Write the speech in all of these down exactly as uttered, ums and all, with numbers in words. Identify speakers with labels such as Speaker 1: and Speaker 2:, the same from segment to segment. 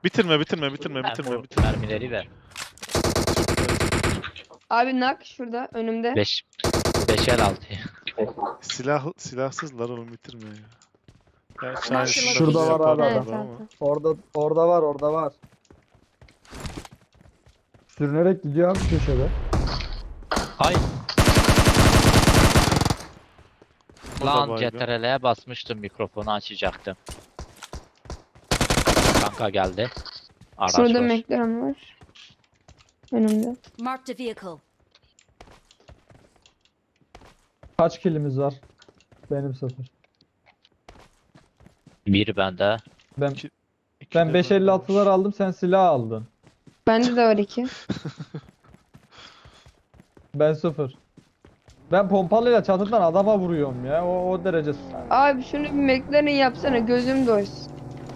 Speaker 1: Bitirme bitirme bitirme
Speaker 2: Sen
Speaker 1: bitirme
Speaker 2: bu
Speaker 1: bitirme.
Speaker 2: mermileri ver.
Speaker 3: Abi nak şurada önümde.
Speaker 2: beş beş el altı.
Speaker 1: Silah silahsızlar oğlum bitirme ya. Gerçi
Speaker 3: Bak,
Speaker 1: aynısını da
Speaker 4: şurada
Speaker 1: bize
Speaker 4: var abi
Speaker 1: yaparlar
Speaker 3: Evet
Speaker 4: adam.
Speaker 1: ama.
Speaker 3: tamam.
Speaker 4: Orada orada var orada var. Sürünerek gidiyor abi köşede.
Speaker 2: Hay
Speaker 1: O da
Speaker 2: lan
Speaker 1: baygın.
Speaker 2: C T R L'ye basmıştım, mikrofonu açacaktım. Kanka geldi. Araç
Speaker 3: Şurada
Speaker 2: var.
Speaker 3: McLaren var. Önümde.
Speaker 5: Marked a vehicle.
Speaker 4: Kaç kilimiz var? Benim sıfır.
Speaker 2: Bir bende.
Speaker 4: Ben
Speaker 1: İki- İki
Speaker 4: ben
Speaker 1: de
Speaker 4: beş
Speaker 1: bende
Speaker 4: elli altılar
Speaker 1: var.
Speaker 4: aldım, sen silah aldın.
Speaker 3: Bende de var iki.
Speaker 4: Ben sıfır. Ben pompalıyla çatıdan adama vuruyorum ya. O, o derece.
Speaker 3: Abi şunu bir McLaren yapsana gözüm doysun.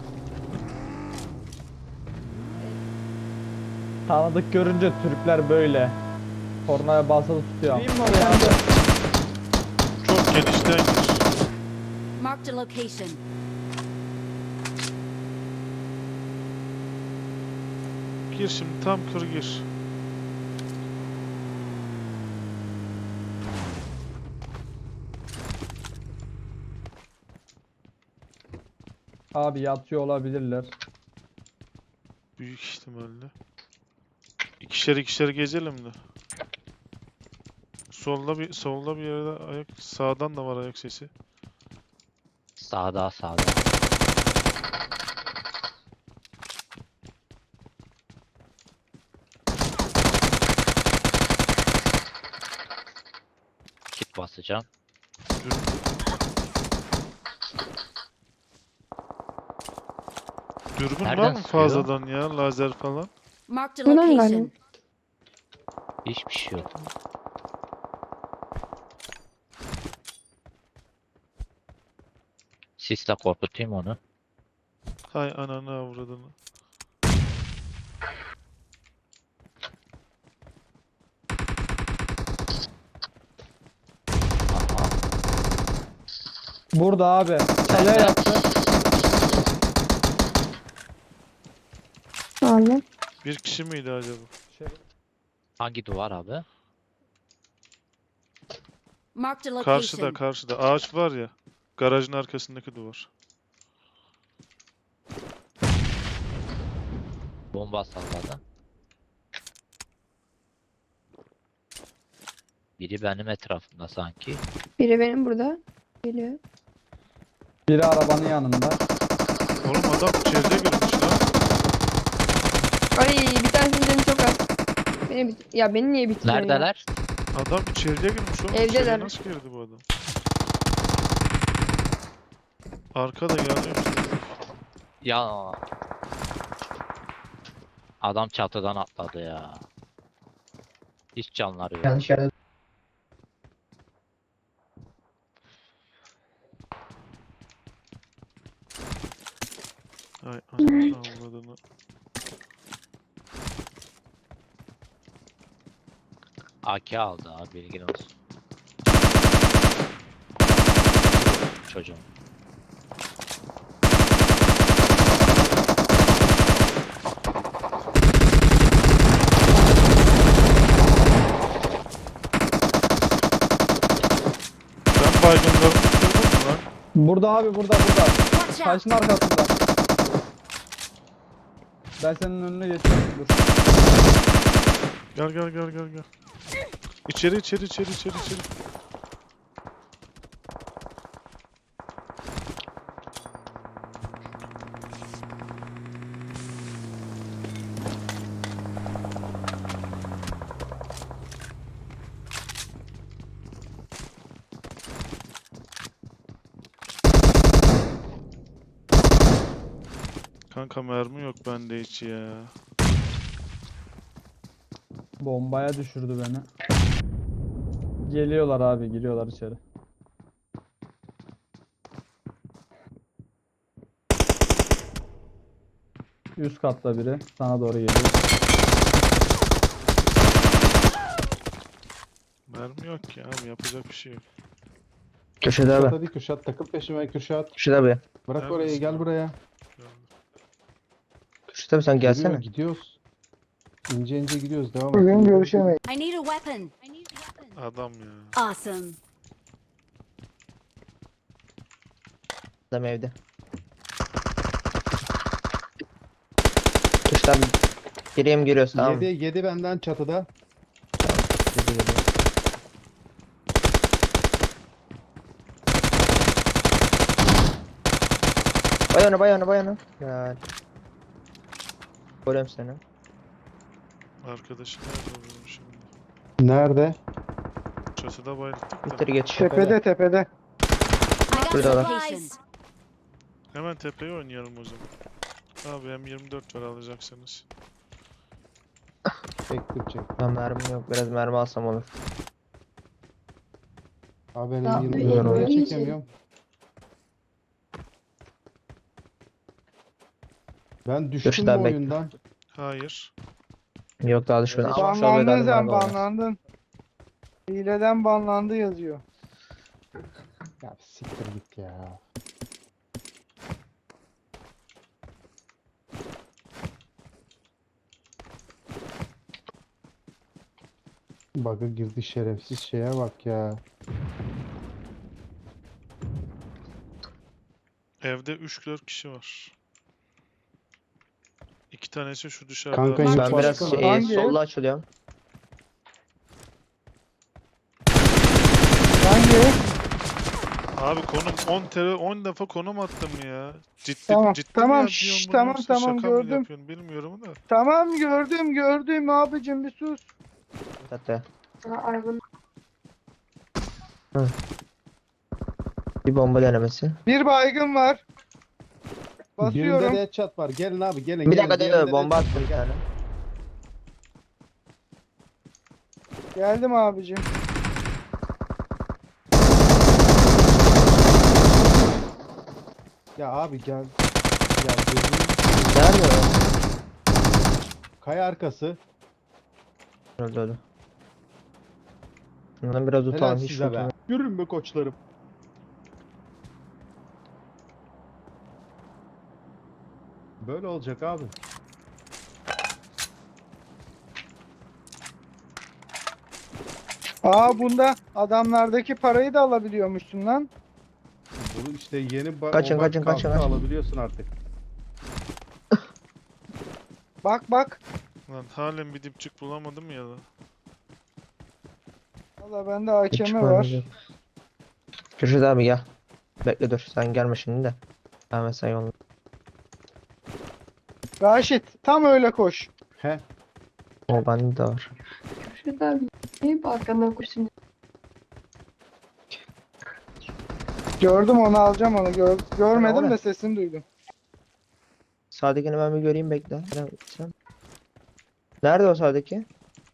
Speaker 4: Tanıdık görünce Türkler böyle. Kornaya basılı tutuyor.
Speaker 6: Gireyim mi oraya abi?
Speaker 1: Çok genişten gir.
Speaker 5: Marked a location.
Speaker 1: Gir şimdi tam kır gir.
Speaker 4: Abi yatıyor olabilirler.
Speaker 1: Büyük ihtimalle. İkişer ikişer gezelim de. Solda bir solda bir yerde ayak, sağdan da var ayak sesi.
Speaker 2: Sağda sağda. Kit basacağım.
Speaker 1: Dürbün. Dürbün var
Speaker 2: Nereden
Speaker 1: mı
Speaker 2: sıkıyor?
Speaker 1: fazladan ya lazer falan?
Speaker 5: Marked a
Speaker 3: Buna mı
Speaker 5: location.
Speaker 3: galiba?
Speaker 2: Hiçbir şey yok. Sisle korkutayım onu.
Speaker 1: Hay ananı avradını.
Speaker 2: Aha.
Speaker 4: Burada abi. Kaleye yattı.
Speaker 3: Aldım.
Speaker 1: Bir kişi miydi acaba?
Speaker 4: Şey,
Speaker 2: Hangi duvar abi?
Speaker 5: Marked a
Speaker 1: Karşıda
Speaker 5: location.
Speaker 1: karşıda ağaç var ya. Garajın arkasındaki duvar.
Speaker 2: Bomba salladı. Biri benim etrafımda sanki.
Speaker 3: Biri benim burada. Geliyor.
Speaker 4: biri arabanın yanında.
Speaker 1: Oğlum adam içeride girmiş lan.
Speaker 3: Ay bir tanesinin canı çok az. Beni bit ya beni niye bitiriyor ya?
Speaker 2: Neredeler?
Speaker 1: Adam içeriye girmiş oğlum.
Speaker 3: Evdeler.
Speaker 1: İçeriye nasıl girdi bu adam? Arkada gelmiş.
Speaker 2: Ya. Adam çatıdan atladı ya. Hiç canları yok.
Speaker 6: Yanlış yerde.
Speaker 1: Ay ananı avradını.
Speaker 2: A K aldı abi, bilgin olsun. Çocuğum.
Speaker 1: Sen baygınlarını bitirdin mi lan?
Speaker 4: Burada abi burada burada.
Speaker 5: Watch out.
Speaker 4: Taşın arkasında. Ben senin önüne geçiyorum. Dur.
Speaker 1: Gel gel gel gel gel. İçeri içeri içeri içeri içeri. Kanka mermi yok bende hiç ya.
Speaker 4: Bombaya düşürdü beni. Geliyorlar abi, giriyorlar içeri. Üst katta biri sana doğru geliyor.
Speaker 1: Mermi yok ki abi yapacak bir şey yok.
Speaker 6: Köşede abi.
Speaker 7: Hadi Kürşat takıl peşime Kürşat.
Speaker 6: Köşede abi.
Speaker 7: Bırak
Speaker 1: Neredesin
Speaker 7: orayı gel
Speaker 1: abi?
Speaker 7: buraya.
Speaker 6: Kürşat abi sen
Speaker 7: Geliyor,
Speaker 6: gelsene.
Speaker 7: gidiyoruz. İnce ince gidiyoruz. Devam et.
Speaker 3: Bugün görüşemeyiz.
Speaker 5: I need a weapon.
Speaker 1: Adam ya.
Speaker 5: Awesome.
Speaker 6: Adam evde. Kürşat abi geriye mi giriyoruz tamam mı?
Speaker 7: Yedi, yedi benden çatıda.
Speaker 6: Geri geliyor. Bay onu bay onu bay onu. Ya. Görüyorum seni.
Speaker 1: Arkadaşı nerede oluyor şimdi?
Speaker 7: Nerede?
Speaker 1: Çatıda bayılttık da.
Speaker 6: Bitir geç.
Speaker 4: Tepede tepede.
Speaker 5: I got
Speaker 6: Burada var.
Speaker 5: supplies.
Speaker 1: Hemen tepeye oynayalım o zaman. Abi M yirmi dört var alacaksanız.
Speaker 7: Çektim çektim.
Speaker 6: Ben mermim yok. Biraz mermi alsam olur.
Speaker 7: Abi benim
Speaker 3: Ya,
Speaker 7: yirmi
Speaker 6: biliyorum.
Speaker 7: dört çekemiyorum. Ben düştüm
Speaker 6: Kürşat
Speaker 7: bu
Speaker 6: abi bekle.
Speaker 7: oyundan.
Speaker 1: Hayır.
Speaker 6: Yok daha düşmedi. Ama şu an
Speaker 4: Banlandın
Speaker 6: böyle
Speaker 4: sen
Speaker 6: mermi var.
Speaker 4: banlandın. Hileden banlandı yazıyor.
Speaker 7: Ya siktir git ya. Bug'a girdi şerefsiz şeye bak ya.
Speaker 1: Evde üç dört kişi var. İki tanesi şu dışarıda.
Speaker 7: Kanka,
Speaker 1: adam.
Speaker 6: Ben biraz
Speaker 7: Başka
Speaker 6: şey,
Speaker 4: hangi?
Speaker 6: solda açılıyorum.
Speaker 4: Hangi?
Speaker 1: Abi konum on tere on defa konum attım ya. Ciddi
Speaker 4: Tamam,
Speaker 1: ciddi mi
Speaker 4: tamam,
Speaker 1: yapıyorsun
Speaker 4: şşş,
Speaker 1: bunu
Speaker 4: tamam,
Speaker 1: yoksa
Speaker 4: tamam,
Speaker 1: şaka mı
Speaker 4: gördüm.
Speaker 1: yapıyorsun bilmiyorum da.
Speaker 4: Tamam gördüm gördüm abicim bir sus.
Speaker 6: Hatta. Hı. Bir bomba denemesi.
Speaker 4: Bir baygın var.
Speaker 7: Birinde
Speaker 4: Basıyorum.
Speaker 7: de headshot var. Gelin abi gelin.
Speaker 6: Bir
Speaker 7: gelin.
Speaker 6: dakika
Speaker 7: Diğerinde
Speaker 6: dur
Speaker 7: de
Speaker 6: bomba
Speaker 7: headshot
Speaker 6: attım bir
Speaker 7: var.
Speaker 6: tane.
Speaker 4: Geldim abicim.
Speaker 7: Ya abi gel. Ya gözünü
Speaker 6: Nerede o?
Speaker 7: kaya arkası.
Speaker 6: Öldü öldü. Bundan biraz
Speaker 7: Helal
Speaker 6: utandım. Hiç
Speaker 7: size be.
Speaker 6: utanmadım.
Speaker 7: Yürün be koçlarım. Böyle olacak abi.
Speaker 4: Aa bunda adamlardaki parayı da alabiliyormuşsun lan.
Speaker 7: Bunu işte yeni ba-
Speaker 6: Kaçın,
Speaker 7: o bak
Speaker 6: kaçın, kaçın,
Speaker 7: kalktı,
Speaker 6: kaçın.
Speaker 7: alabiliyorsun artık.
Speaker 4: Bak bak.
Speaker 1: Lan halen bir dipçik bulamadım ya da.
Speaker 4: Valla bende A K
Speaker 6: Hiç
Speaker 4: M var.
Speaker 6: çıkmadı. Kürşat abi gel. Bekle dur sen gelme şimdi de. Ben mesela yolda.
Speaker 4: Raşit tam öyle koş.
Speaker 7: He.
Speaker 6: O bende de var.
Speaker 3: Şurada bir arkandan koşun.
Speaker 4: Gördüm onu alacağım onu. Gör, görmedim
Speaker 6: Oraya.
Speaker 4: de sesini duydum.
Speaker 6: Sağdakini ben bir göreyim bekle. Sen- sen- Nerede o sağdaki?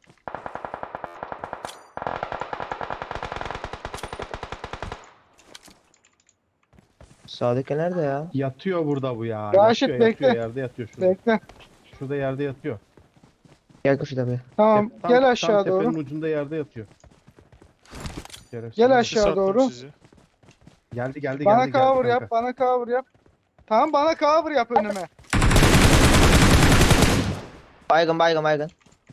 Speaker 6: Sağdaki nerede ya?
Speaker 7: Yatıyor burada bu ya.
Speaker 4: Raşit,
Speaker 7: yatıyor,
Speaker 4: bekle.
Speaker 7: yatıyor, yerde yatıyor şurada.
Speaker 4: Bekle.
Speaker 7: Şurada yerde yatıyor.
Speaker 6: Gel Kürşat abi.
Speaker 4: Tamam
Speaker 7: Tep- tam-
Speaker 4: gel
Speaker 7: tam
Speaker 4: aşağı
Speaker 7: tepenin
Speaker 4: doğru.
Speaker 7: ucunda yerde yatıyor. Şerefsiz.
Speaker 4: Gel
Speaker 7: Hadi.
Speaker 4: aşağı
Speaker 1: Sattım
Speaker 4: doğru.
Speaker 1: sizi.
Speaker 7: Geldi geldi
Speaker 4: Bana
Speaker 7: geldi.
Speaker 4: cover
Speaker 7: geldi
Speaker 4: yap,
Speaker 7: kanka.
Speaker 4: bana cover yap. Tamam bana cover yap önüme.
Speaker 6: Baygın baygın baygın.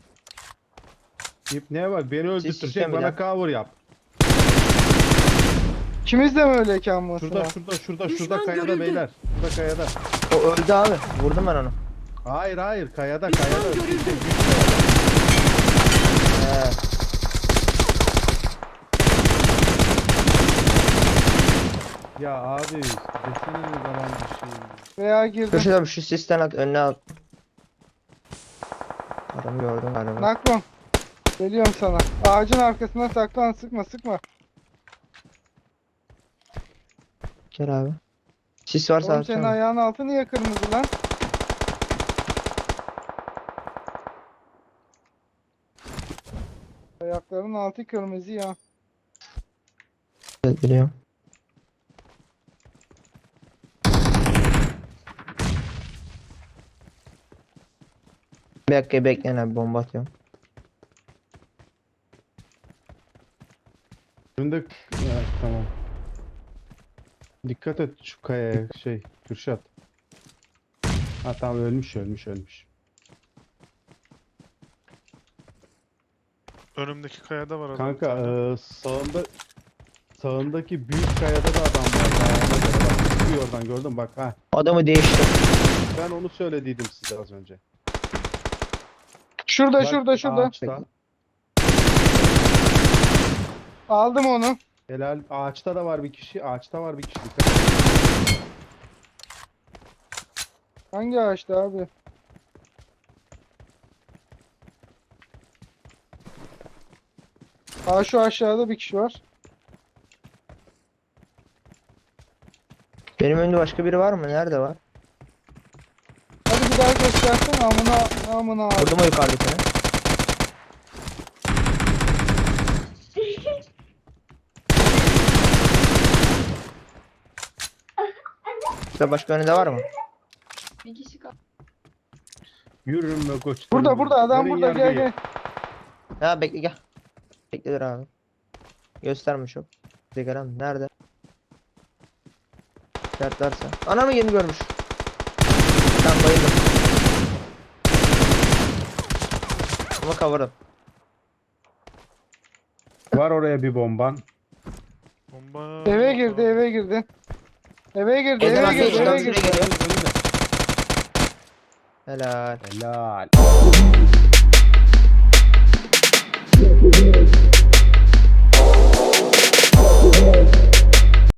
Speaker 7: İp neye bak beni öldürtecek
Speaker 6: sistemi
Speaker 7: bana
Speaker 6: lan.
Speaker 7: cover yap.
Speaker 4: İkimiz de mi öyle kalmasın?
Speaker 7: Şurada şurada şurada şurada
Speaker 5: Düşman
Speaker 7: kayada
Speaker 5: görüldü.
Speaker 7: beyler. Şurada kayada.
Speaker 6: O öldü abi. Vurdum ben onu.
Speaker 7: Hayır hayır kayada
Speaker 5: Düşman
Speaker 7: kayada.
Speaker 5: görüldü.
Speaker 6: He.
Speaker 7: Ya abi desene mi zaman bir şey.
Speaker 4: Veya girdim.
Speaker 6: Kürşat abi şu sisten at önüne al. Adamı gördüm galiba.
Speaker 4: Naklon. Geliyorum sana. Ağacın arkasına saklan, sıkma sıkma.
Speaker 6: Gel abi. Sis varsa
Speaker 4: Oğlum senin
Speaker 6: atsana.
Speaker 4: ayağın altı niye kırmızı lan? Ayakların altı kırmızı ya.
Speaker 6: Evet, biliyorum. Bir dakika bekleyin abi bomba atıyorum.
Speaker 7: Önünde evet, tamam. Dikkat et şu kayaya şey Kürşat. Ha tamam ölmüş ölmüş ölmüş.
Speaker 1: Önümdeki kayada var adam.
Speaker 7: Kanka eee, sağında sağındaki büyük kayada da adam var. Dağına göre bak. Çıkıyor oradan gördün mü? Bak ha.
Speaker 6: Adamı değiştir.
Speaker 7: Ben onu söylediydim size az önce.
Speaker 8: Şurada
Speaker 7: Bak,
Speaker 8: şurada şurada.
Speaker 7: Ağaçta.
Speaker 8: Aldım onu.
Speaker 7: Helal. Ağaçta da var bir kişi. Ağaçta var bir kişi. Dikkat et.
Speaker 8: Hangi ağaçta abi? Aa şu aşağıda bir kişi var.
Speaker 6: Benim önümde başka biri var mı? Nerede var?
Speaker 8: Hadi bir daha göstersen amına amına abi.
Speaker 6: Vurdum o yukarıdakine. İşte başka önünde var mı?
Speaker 3: Bir kişi kaldı.
Speaker 7: Yürürüm be koç.
Speaker 8: Burada burada adam burada gel gel.
Speaker 6: Ha bekle gel. Bekle dur abi. Gösterme çok. Sigaram nerede? Şartlarsa. Anamı yeni görmüş. Ben bayıldım. Ama kavurdım.
Speaker 7: Var oraya bir bomban.
Speaker 1: Bomba.
Speaker 8: Eve girdi eve girdi. Eve girdi
Speaker 6: Evden
Speaker 8: eve
Speaker 6: arkaya
Speaker 8: girdi
Speaker 6: çıkan
Speaker 8: eve
Speaker 6: şuraya
Speaker 8: girdi.
Speaker 6: geliyor. Helal.
Speaker 7: Helal.